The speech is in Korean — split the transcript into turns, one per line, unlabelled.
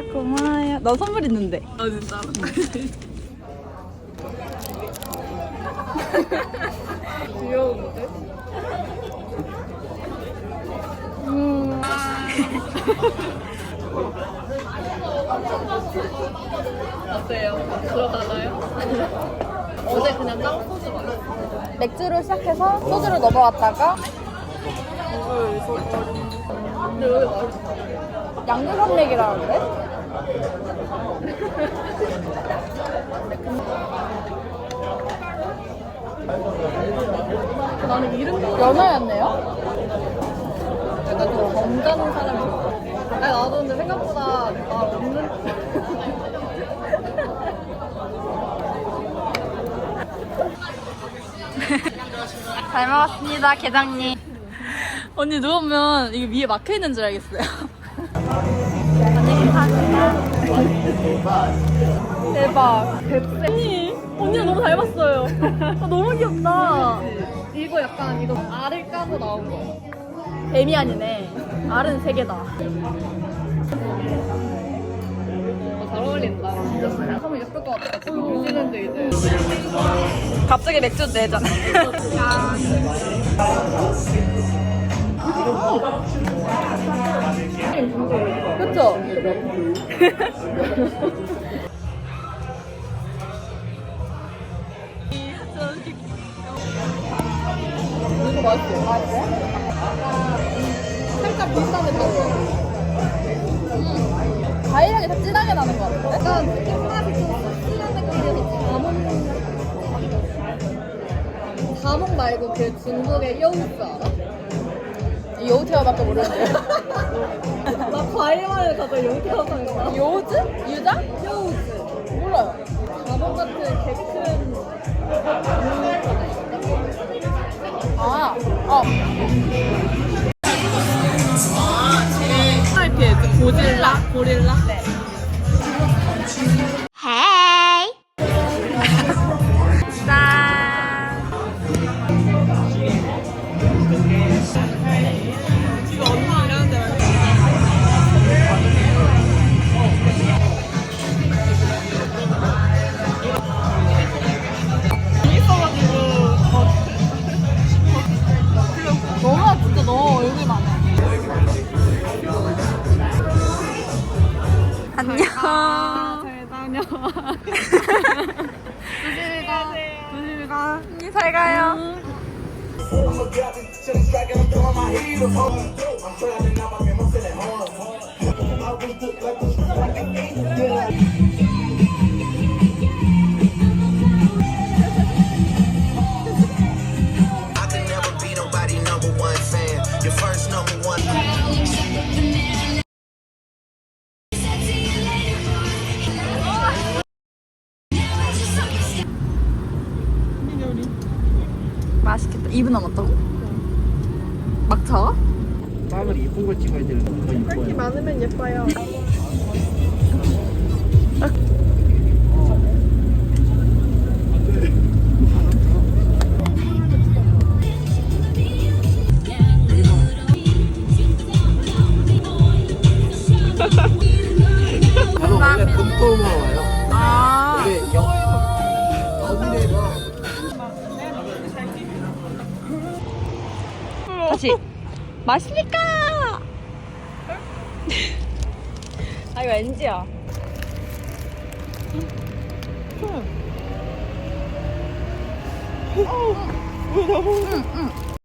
고마워요. 너 선물 있는데.
아 진짜. 귀여운데? 어때요? 들어가나요? 어제 그냥 딱 소주 마셨어.
맥주로 시작해서 소주로 넘어갔다가
근데 여기 맛있어.
양주산맥이라는데?
나는 이름도
연어였네요?
약간 좀 점잖은 사람이 좋아. 아니 나도 근데 생각보다 나 없는.
잘 먹었습니다, 계장님. 언니 누우면 이게 위에 막혀 있는 줄 알겠어요. 언니 감사합니다. 대박. 뱁새. 언니가 너무 닮았어요. 아, 너무 귀엽다.
이거 약간 이거 알을 까고 나온 거.
뱀이 아니네. 알은 3개다.
잘 어울린다. 진짜 하면 예쁠 것 같아. 뉴질랜드 이제.
갑자기 맥주 내잖아. 그쵸?
이거 맛있어. 살짝 비슷한데 달라.
과일향이 더 진하게 나는 것 같은데?
약간 콩맛이 좀 씁쓸한 느낌이어서 자몽 말고 그 중국의 여우스 알아?
여우태어밖에 모르는데요.
나 과일만을 가서 여우태어 생각나.
요즈? 유자?
여우스.
몰라요.
자몽 같은 개큰
아,
스타일피에 고릴라?
네. 짠.
이거 엄마 이러는데
너무 진짜 너 얼굴만 해. 안녕.
잘 다녀와. 조심히 가.
언니 잘 가요.
I could never be nobody number one fan. Your first number one.
맛있겠다. 2분 남았다고? 막차가?
땀을 이쁜 걸 찍어야 되는 거 이뻐요.
많으면 예뻐요.
저는 원래 금토음으로 와요.
아.
근데 여기가
다시. 맛있니까? 아, 이거 NG야.
왜 나보고